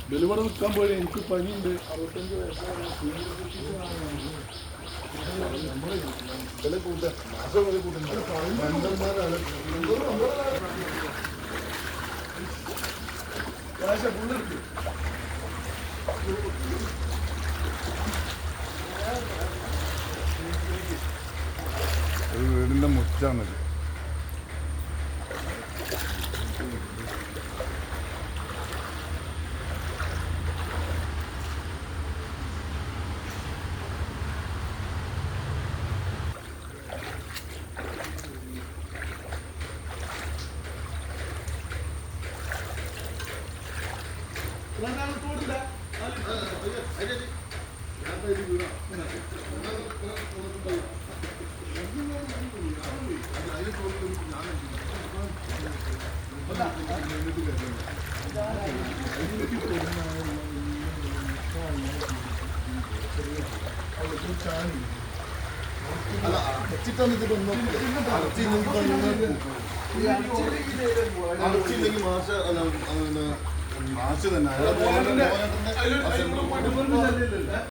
Delivery നിൽക്കാൻ പോയി എനിക്ക് പനിയുണ്ട് 65 വയസ്സാണ് ഒരു വീടിൻ്റെ മുറ്റാണിത്. അല്ല അടച്ചിട്ടാണ് ഇതിലൊന്നും അടച്ചില്ലെങ്കിൽ മാഷ് തന്നെ